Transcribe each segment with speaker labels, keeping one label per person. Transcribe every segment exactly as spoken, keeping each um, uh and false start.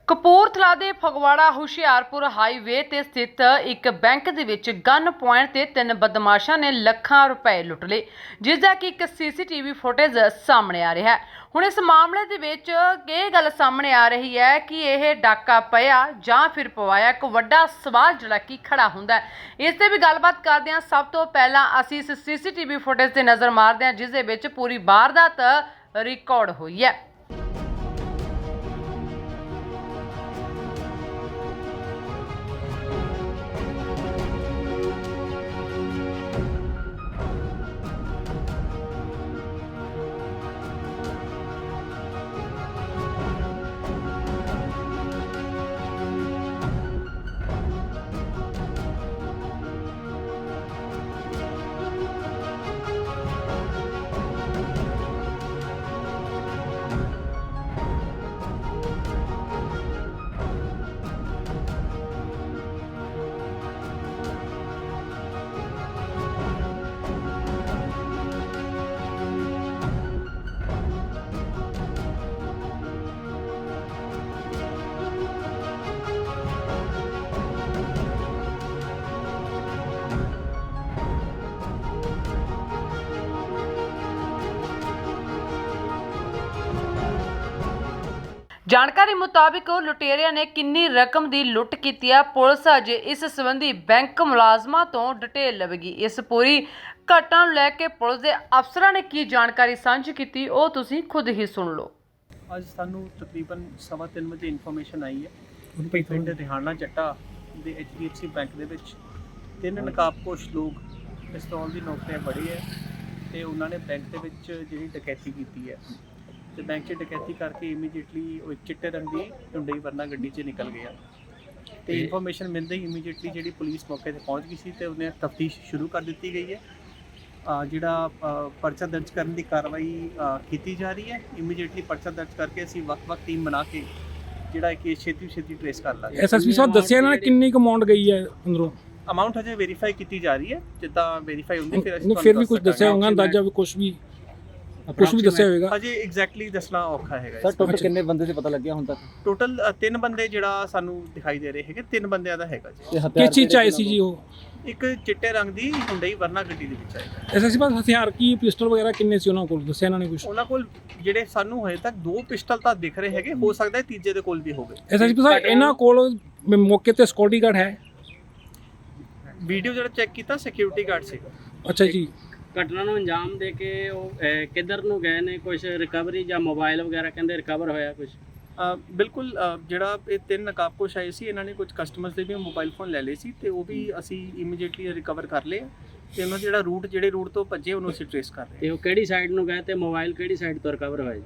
Speaker 1: ਕਪੂਰਥਲਾ ਦੇ ਫਗਵਾੜਾ ਹੁਸ਼ਿਆਰਪੁਰ ਹਾਈਵੇ ਤੇ ਸਥਿਤ ਇੱਕ ਬੈਂਕ ਦੇ ਵਿੱਚ ਗਨ ਪੁਆਇੰਟ ਤੇ ਤਿੰਨ ਬਦਮਾਸ਼ਾਂ ਨੇ ਲੱਖਾਂ ਰੁਪਏ ਲੁੱਟ ਲਏ, ਜਿਸ ਦਾ ਕਿ ਇੱਕ ਸੀਸੀਟੀਵੀ ਫੁਟੇਜ ਸਾਹਮਣੇ ਆ ਰਿਹਾ ਹੈ। ਹੁਣ ਇਸ ਮਾਮਲੇ ਦੇ ਵਿੱਚ ਇਹ ਗੱਲ ਸਾਹਮਣੇ ਆ ਰਹੀ ਹੈ ਕਿ ਇਹ ਡਾਕਾ ਪਿਆ ਜਾਂ ਫਿਰ ਪਵਾਇਆ, ਇੱਕ ਵੱਡਾ ਸਵਾਲ ਜਿਹੜਾ ਕਿ ਖੜਾ ਹੁੰਦਾ ਹੈ। ਇਸ ਤੇ ਵੀ ਗੱਲਬਾਤ ਕਰਦੇ ਹਾਂ। ਸਭ ਤੋਂ ਪਹਿਲਾਂ ਅਸੀਂ ਇਸ ਸੀਸੀਟੀਵੀ ਫੁਟੇਜ ਤੇ ਨਜ਼ਰ ਮਾਰਦੇ ਹਾਂ, ਜਿਸ ਦੇ ਵਿੱਚ ਪੂਰੀ ਵਾਰਦਾਤ ਰਿਕਾਰਡ ਹੋਈ ਹੈ। ਜਾਣਕਾਰੀ ਮੁਤਾबिक ਲੁਟੇਰਿਆਂ ਨੇ ਕਿੰਨੀ ਰਕਮ ਦੀ ਲੁੱਟ ਕੀਤੀ ਹੈ, ਪੁਲਿਸ ਅਜੇ ਇਸ ਸੰਬੰਧੀ ਬੈਂਕ ਮੁਲਾਜ਼ਮਾਂ ਤੋਂ ਡਿਟੇਲ ਲਵੇਗੀ। ਇਸ ਪੂਰੀ ਘਟਨਾ ਨੂੰ ਲੈ ਕੇ ਪੁਲਿਸ ਦੇ ਅਫਸਰਾਂ ਨੇ ਕੀ ਜਾਣਕਾਰੀ ਸਾਂਝੀ ਕੀਤੀ, ਉਹ ਤੁਸੀਂ ਖੁਦ ਹੀ ਸੁਣ ਲਓ।
Speaker 2: ਅੱਜ ਸਾਨੂੰ ਤਕਰੀਬਨ ਸਵਾ ਤਿੰਨ ਵਜੇ ਇਨਫੋਰਮੇਸ਼ਨ ਆਈ ਹੈ ਪਿੰਡ ਰਿਹਾਨਾ ਚੱਟਾ ਦੇ H D F C bank ਦੇ ਵਿੱਚ ਤਿੰਨ ਨਕਾਬਪੋਸ਼ ਲੋਕ ਪਿਸਤੌਲ ਦੀ ਨੋਕ 'ਤੇ ਫੜੇ ਹੈ ਅਤੇ ਉਹਨਾਂ ਨੇ ਬੈਂਕ ਦੇ ਵਿੱਚ ਜਿਹੜੀ ਡਕੈਤੀ ਕੀਤੀ ਹੈ ਤੇ ਬੈਂਕ 'ਚ ਡਕੈਤੀ ਕਰਕੇ ਇਮੀਡੀਏਟਲੀ ਉਹ ਇੱਕ ਚਿੱਟੇ ਰੰਗ ਦੀ ਹੁੰਡਈ ਵਰਨਾ ਗੱਡੀ 'ਚ ਨਿਕਲ ਗਿਆ ਤੇ ਇਨਫੋਰਮੇਸ਼ਨ ਮਿਲਦੇ ਹੀ ਇਮੀਡੀਏਟਲੀ ਜਿਹੜੀ ਪੁਲਿਸ ਮੌਕੇ ਤੇ ਪਹੁੰਚ ਗਈ ਸੀ ਤੇ ਉਹਨੇ ਤਫਤੀਸ਼ ਸ਼ੁਰੂ ਕਰ ਦਿੱਤੀ ਗਈ ਹੈ। ਜਿਹੜਾ ਪਰਚਾ ਦਰਜ ਕਰਨ ਦੀ ਕਾਰਵਾਈ ਕੀਤੀ ਜਾ ਰਹੀ ਹੈ। ਇਮੀਡੀਏਟਲੀ ਪਰਚਾ ਦਰਜ ਕਰਕੇ ਅਸੀਂ ਵੱਖ-ਵੱਖ ਟੀਮ ਬਣਾ ਕੇ ਜਿਹੜਾ ਕੇਸ ਛੇਤੀ ਛੇਤੀ ਟ੍ਰੇਸ ਕਰ ਲਾਂਗੇ।
Speaker 3: ਐਸਐਸਪੀ ਸਾਹਿਬ ਦੱਸਿਆ ਇਹਨਾਂ ਨੇ ਕਿੰਨੀ ਕੁ ਅਮਾਉਂਟ ਗਈ ਹੈ ਅੰਦਰੋਂ?
Speaker 2: ਅਮਾਉਂਟ ਹਜੇ ਵੈਰੀਫਾਈ ਕੀਤੀ ਜਾ ਰਹੀ ਹੈ, ਜਿੱਦਾਂ ਵੈਰੀਫਾਈ ਹੁੰਦੀ ਫਿਰ ਅਸੀਂ
Speaker 3: ਫਿਰ ਵੀ ਕੁਝ ਦੱਸਿਆ ਹੋਊਗਾ ਅੰਦਾਜ਼ਾ ਵੀ ਕੁਝ ਵੀ ਕੁਝ ਵੀ ਦੱਸਿਆ ਹੋਵੇਗਾ?
Speaker 2: ਅਜੇ ਐਗਜ਼ੈਕਟਲੀ ਦੱਸਣਾ ਔਖਾ ਹੈਗਾ।
Speaker 4: ਸਰ ਟੋਟਲ ਕਿੰਨੇ ਬੰਦੇ ਸੀ ਪਤਾ ਲੱਗਿਆ ਹੁਣ ਤੱਕ?
Speaker 2: ਟੋਟਲ ਤਿੰਨ ਬੰਦੇ ਜਿਹੜਾ ਸਾਨੂੰ ਦਿਖਾਈ ਦੇ ਰਹੇ ਹੈਗੇ, ਤਿੰਨ ਬੰਦਿਆਂ ਦਾ ਹੈਗਾ ਜੀ।
Speaker 3: ਕਿਸ ਚੀਜ਼ 'ਚ ਆਏ ਸੀ ਜੀ ਉਹ?
Speaker 2: ਇੱਕ ਚਿੱਟੇ ਰੰਗ ਦੀ ਹੁੰਡਈ ਵਰਨਾ ਗੱਡੀ ਦੇ ਵਿੱਚ ਆਏਗਾ।
Speaker 3: ਐਸਐਸਪੀ ਸਾਹਿਬ ਹਥਿਆਰ ਕੀ ਪਿਸਟਲ ਵਗੈਰਾ ਕਿੰਨੇ ਸੀ ਉਹਨਾਂ ਕੋਲ, ਦੱਸਿਆ ਇਹਨਾਂ ਨੇ ਕੁਝ?
Speaker 2: ਉਹਨਾਂ ਕੋਲ ਜਿਹੜੇ ਸਾਨੂੰ ਹਜੇ ਤੱਕ ਦੋ ਪਿਸਟਲ ਤਾਂ ਦਿਖ ਰਹੇ ਹੈਗੇ, ਹੋ ਸਕਦਾ ਹੈ ਤੀਜੇ ਦੇ ਕੋਲ ਵੀ ਹੋਵੇ।
Speaker 3: ਐਸਐਸਪੀ ਸਾਹਿਬ ਇਹਨਾਂ ਕੋਲ ਮੌਕੇ ਤੇ ਸਿਕਿਉਰਿਟੀ ਗਾਰਡ ਹੈ?
Speaker 2: ਵੀਡੀਓ ਜਿਹੜਾ ਚੈੱਕ ਕੀਤਾ ਸਿਕਿਉਰਿਟੀ ਗਾਰਡ ਸੀਗਾ।
Speaker 3: ਅੱਛਾ ਜੀ।
Speaker 5: ਘਟਨਾ ਨੂੰ ਅੰਜਾਮ ਦੇ ਕੇ ਉਹ ਕਿੱਧਰ ਨੂੰ ਗਏ ਨੇ? ਕੁਝ ਰਿਕਵਰੀ ਜਾਂ ਮੋਬਾਈਲ ਵਗੈਰਾ ਕਹਿੰਦੇ ਰਿਕਵਰ ਹੋਇਆ ਕੁਝ?
Speaker 2: ਬਿਲਕੁਲ, ਜਿਹੜਾ ਇਹ ਤਿੰਨ ਨਕਾਬਪੋਸ਼ ਆਏ ਸੀ ਇਹਨਾਂ ਨੇ ਕੁਝ ਕਸਟਮਰਸ ਦੇ ਵੀ ਮੋਬਾਈਲ ਫੋਨ ਲੈ ਲਏ ਸੀ ਤੇ ਉਹ ਵੀ ਅਸੀਂ ਇਮੀਡੀਏਟਲੀ ਰਿਕਵਰ ਕਰ ਲਏ ਤੇ ਉਹਨਾਂ ਜਿਹੜਾ ਰੂਟ ਜਿਹੜੇ ਰੂਟ ਤੋਂ ਭੱਜੇ ਉਹਨੂੰ ਅਸੀਂ ਟ੍ਰੇਸ ਕਰ ਰਹੇ।
Speaker 5: ਤੇ ਉਹ ਕਿਹੜੀ ਸਾਈਡ ਨੂੰ ਗਏ ਤੇ ਮੋਬਾਈਲ ਕਿਹੜੀ ਸਾਈਡ ਤੋਂ ਰਿਕਵਰ ਹੋਇਆ ਜੀ?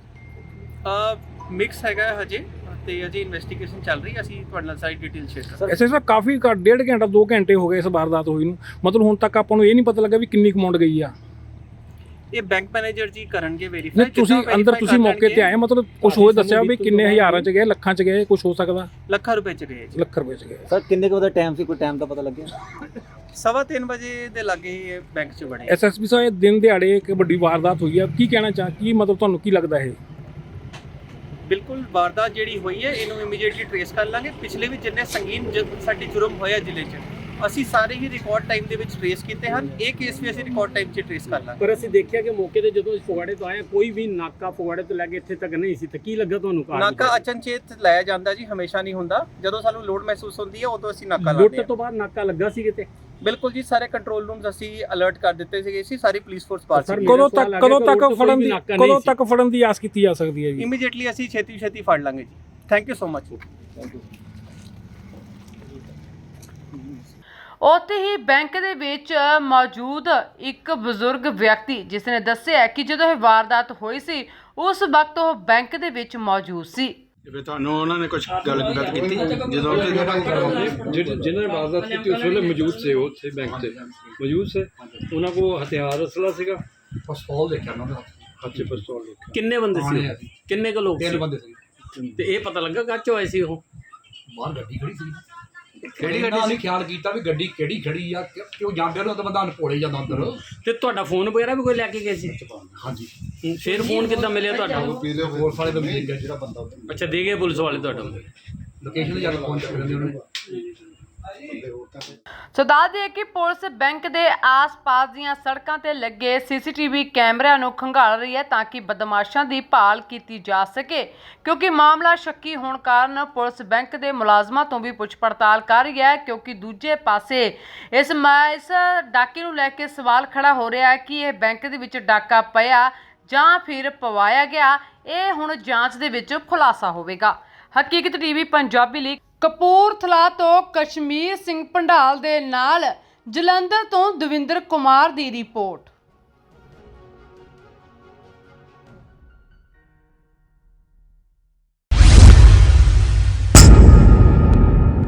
Speaker 2: ਮਿਕਸ ਹੈਗਾ ਹਜੇ ਤੇ ਅਜੇ ਇਨਵੈਸਟੀਗੇਸ਼ਨ ਚੱਲ ਰਹੀ ਹੈ, ਅਸੀਂ ਤੁਹਾਡੇ ਨਾਲ ਸਾਰੀ ਡਿਟੇਲ ਸ਼ੇਅਰ ਕਰਾਂਗੇ।
Speaker 3: ਐਸਐਸਪੀ ਸਾਹਿਬ ਕਾਫੀ ਡੇਢ ਘੰਟਾ ਦੋ ਘੰਟੇ ਹੋ ਗਏ ਇਸ ਵਾਰਦਾਤ ਹੋਈ ਨੂੰ, ਮਤਲਬ ਹੁਣ ਤੱਕ ਆਪਾਂ ਨੂੰ ਇਹ ਨਹੀਂ ਪਤਾ ਲੱਗਾ ਵੀ ਕਿੰਨੀ ਅਮਾਉਂਟ ਗਈ ਆ?
Speaker 2: ਇਹ ਬੈਂਕ ਮੈਨੇਜਰ ਜੀ ਕਰਨਗੇ ਵੈਰੀਫਾਈ।
Speaker 3: ਨਹੀਂ ਤੁਸੀਂ ਅੰਦਰ ਤੁਸੀਂ ਮੌਕੇ ਤੇ ਆਏ, ਮਤਲਬ ਕੁਝ ਹੋਰ ਦੱਸਿਆ ਵੀ ਕਿੰਨੇ ਹਜ਼ਾਰਾਂ 'ਚ ਗਏ, ਲੱਖਾਂ 'ਚ ਗਏ, ਕੁਝ ਹੋ ਸਕਦਾ?
Speaker 2: ਲੱਖਾਂ ਰੁਪਏ 'ਚ ਗਏ ਜੀ।
Speaker 3: ਲੱਖ ਰੁਪਏ 'ਚ ਗਏ।
Speaker 4: ਸਰ ਕਿੰਨੇ ਕੁ ਦਾ ਟਾਈਮ ਸੀ, ਕੋਈ ਟਾਈਮ ਦਾ ਪਤਾ ਲੱਗਿਆ?
Speaker 2: ਸਵਾ ਤਿੰਨ ਵਜੇ ਦੇ ਲਾਗੇ ਬੈਂਕ 'ਚ ਬਣੇ।
Speaker 3: ਐਸਐਸਪੀ ਸਾਹਿਬ ਇਹ ਦਿਨ ਦਿਹਾੜੇ ਇੱਕ ਵੱਡੀ ਵਾਰਦਾਤ ਹੋਈ ਹੈ, ਕੀ ਕਹਿਣਾ ਚਾਹ ਕੀ ਮਤਲਬ ਤੁਹਾਨੂੰ ਕੀ ਲੱਗਦਾ ਹੈ?
Speaker 2: ਬਿਲਕੁਲ, ਵਾਰਦਾਤ ਜਿਹੜੀ ਹੋਈ ਹੈ ਇਹਨੂੰ ਇਮੀਡੀਏਟਲੀ ਟ੍ਰੇਸ ਕਰ ਲਾਂਗੇ। ਪਿਛਲੇ ਵੀ ਜਿੰਨੇ ਸੰਗੀਨ ਸਾਡੇ ਜੁਰਮ ਹੋਇਆ ਜ਼ਿਲ੍ਹੇ 'ਚ ਅਸੀਂ ਸਾਰੇ ਹੀ ਰਿਕਾਰਡ ਟਾਈਮ ਦੇ ਵਿੱਚ ਟ੍ਰੇਸ ਕੀਤੇ ਹਨ। ਇਹ ਕੇਸ ਵੀ ਅਸੀਂ ਰਿਕਾਰਡ ਟਾਈਮ 'ਚ ਟ੍ਰੇਸ ਕਰ ਲਾਂਗੇ।
Speaker 5: ਪਰ ਅਸੀਂ ਦੇਖਿਆ ਕਿ ਮੌਕੇ ਤੇ ਜਦੋਂ ਫਗਵਾੜੇ ਤੋਂ ਆਏ ਕੋਈ ਵੀ ਨਾਕਾ ਫਗਵਾੜੇ ਤੋਂ ਲੈ ਕੇ ਇੱਥੇ ਤੱਕ ਨਹੀਂ ਸੀ, ਤੇ ਕੀ ਲੱਗਾ ਤੁਹਾਨੂੰ?
Speaker 2: ਨਾਕਾ ਅਚਨਚੇਤ ਲਾਇਆ ਜਾਂਦਾ ਜੀ, ਹਮੇਸ਼ਾ ਨਹੀਂ ਹੁੰਦਾ। ਜਦੋਂ ਸਾਨੂੰ ਲੋਡ ਮਹਿਸੂਸ ਹੁੰਦੀ ਹੈ ਉਦੋਂ ਅਸੀਂ ਨਾਕਾ ਲਾਉਂਦੇ ਹਾਂ।
Speaker 5: ਲੁੱਟ ਤੋਂ ਬਾਅਦ ਨਾਕਾ ਲੱਗਾ ਸੀ ਕਿਤੇ?
Speaker 2: ਬਿਲਕੁਲ ਜੀ, ਸਾਰੇ ਕੰਟਰੋਲ ਰੂਮਸ ਅਸੀਂ ਅਲਰਟ ਕਰ ਦਿੱਤੇ ਸੀਗੇ ਸੀ, ਸਾਰੀ ਪੁਲਿਸ ਫੋਰਸ ਬਾਹਰ ਸੀ।
Speaker 3: ਕਦੋਂ ਤੱਕ ਕਦੋਂ ਤੱਕ ਫੜਨ ਦੀ ਕਦੋਂ ਤੱਕ ਫੜਨ ਦੀ ਆਸ ਕੀਤੀ ਜਾ ਸਕਦੀ ਹੈ ਜੀ?
Speaker 2: ਇਮੀਡੀਏਟਲੀ ਅਸੀਂ ਛੇਤੀ ਛੇਤੀ ਫੜ ਲਾਂਗੇ ਜੀ। Thank you so much.
Speaker 1: ਉੱਥੇ ਹੀ ਬੈਂਕ ਦੇ ਵਿੱਚ ਮੌਜੂਦ ਇੱਕ ਬਜ਼ੁਰਗ ਵਿਅਕਤੀ ਜਿਸ ਨੇ ਦੱਸਿਆ ਕਿ ਜਦੋਂ ਇਹ ਵਾਰਦਾਤ ਹੋਈ ਸੀ ਉਸ ਵਕਤ ਉਹ ਬੈਂਕ ਦੇ ਵਿੱਚ ਮੌਜੂਦ ਸੀ।
Speaker 6: ਫਿਰ ਤੁਹਾਨੂੰ ਉਹਨਾਂ ਨੇ ਕੁਝ ਗੱਲ ਗੱਲ ਕੀਤੀ ਜਦੋਂ
Speaker 7: जिन्होंने वारदात की उस वेले मौजूद से ਉੱਥੇ ਬੈਂਕ ਤੇ ਮੌਜੂਦ ਸੇ ਉਹਨਾਂ ਕੋਲ ਹਥਿਆਰ ਅਸਲਾ ਸੀਗਾ?
Speaker 8: ਪਿਸਤੌਲ ਦੇਖਿਆ ਉਹਨਾਂ ਦਾ।
Speaker 7: ਅੱਛੇ ਪਿਸਤੌਲ ਦੇਖਿਆ।
Speaker 5: ਕਿੰਨੇ ਬੰਦੇ ਸੀ? ਕਿੰਨੇ ਕੁ ਲੋਕ
Speaker 8: ਤਿੰਨ
Speaker 5: ਸੀ?
Speaker 8: ਬੰਦੇ ਸੀ।
Speaker 5: ਤੇ ਇਹ ਪਤਾ ਲੱਗਾ ਕਾਚੋ ਆਏ ਸੀ ਉਹ?
Speaker 8: ਬਾਹਰ ਗੱਡੀ ਖੜੀ ਸੀ। ਕਿਹੜੀ ਗੱਡੀ ਅਸੀਂ ਖਿਆਲ ਕੀਤਾ ਵੀ ਗੱਡੀ ਕਿਹੜੀ ਖੜੀ ਆ ਕਿ- ਕਿਉਂ ਜਾਂਦੇ ਨੇ ਤਾਂ ਬੰਦਾ ਅਨਪੋਲੇ ਜਾਂਦਾ ਅੰਦਰ
Speaker 5: ਤੇ ਤੁਹਾਡਾ ਫੋਨ ਵਗੈਰਾ ਵੀ ਕੋਈ ਲੈ ਕੇ ਗਏ ਸੀ?
Speaker 8: ਹਾਂਜੀ
Speaker 5: ਫਿਰ ਫੋਨ ਕਿੱਦਾਂ ਮਿਲਿਆ ਤੁਹਾਡਾ?
Speaker 8: ਪੁਲਿਸ ਵਾਲੇ ਦਾ ਮਿਲ ਗਿਆ ਜਿਹੜਾ ਬੰਦਾ ਉਹਦੇ
Speaker 5: ਅੱਛਾ, ਦੇ ਗਏ ਪੁਲਿਸ ਵਾਲੇ ਤੁਹਾਡਾ?
Speaker 8: ਲੋਕੇਸ਼ਨ ਤੇ ਜਾ ਕੇ ਫੋਨ ਚੱਕ ਲੈਂਦੇ ਉਹਨਾਂ ਨੇ।
Speaker 1: ਸੋ ਦੱਸ ਦਈਏ ਕਿ ਪੁਲਿਸ ਬੈਂਕ ਦੇ ਆਸ-ਪਾਸ ਦੀਆਂ ਸੜਕਾਂ ਤੇ ਲੱਗੇ ਸੀਸੀਟੀਵੀ ਕੈਮਰਿਆਂ ਨੂੰ ਖੰਗਾਲ ਰਹੀ ਹੈ ਤਾਂ ਕਿ ਬਦਮਾਸ਼ਾਂ ਦੀ ਭਾਲ ਕੀਤੀ ਜਾ ਸਕੇ, ਕਿਉਂਕਿ ਮਾਮਲਾ ਸ਼ੱਕੀ ਹੋਣ ਕਾਰਨ ਪੁਲਿਸ ਬੈਂਕ ਦੇ ਮੁਲਾਜ਼ਮਾਂ ਤੋਂ ਵੀ ਪੁੱਛ ਪੜਤਾਲ ਕਰ ਰਹੀ ਹੈ, ਕਿਉਂਕਿ ਦੂਜੇ ਪਾਸੇ ਇਸ ਮ- ਇਸ ਡਾਕੇ ਨੂੰ ਲੈ ਕੇ ਸਵਾਲ ਖੜਾ ਹੋ ਰਿਹਾ ਹੈ ਕਿ ਇਹ ਬੈਂਕ ਦੇ ਵਿੱਚ ਡਾਕਾ ਪਿਆ ਜਾਂ ਫਿਰ ਪਵਾਇਆ ਗਿਆ। ਇਹ ਹੁਣ ਜਾਂਚ ਦੇ ਵਿੱਚ ਖੁਲਾਸਾ ਹੋਵੇਗਾ। ਹਕੀਕਤ ਟੀਵੀ ਪੰਜਾਬੀ ਲਈ ਕਪੂਰਥਲਾ ਤੋਂ ਕਸ਼ਮੀਰ ਸਿੰਘ ਪੰਡਾਲ ਦੇ ਨਾਲ ਜਲੰਧਰ ਤੋਂ ਦਵਿੰਦਰ ਕੁਮਾਰ ਦੀ ਰਿਪੋਰਟ।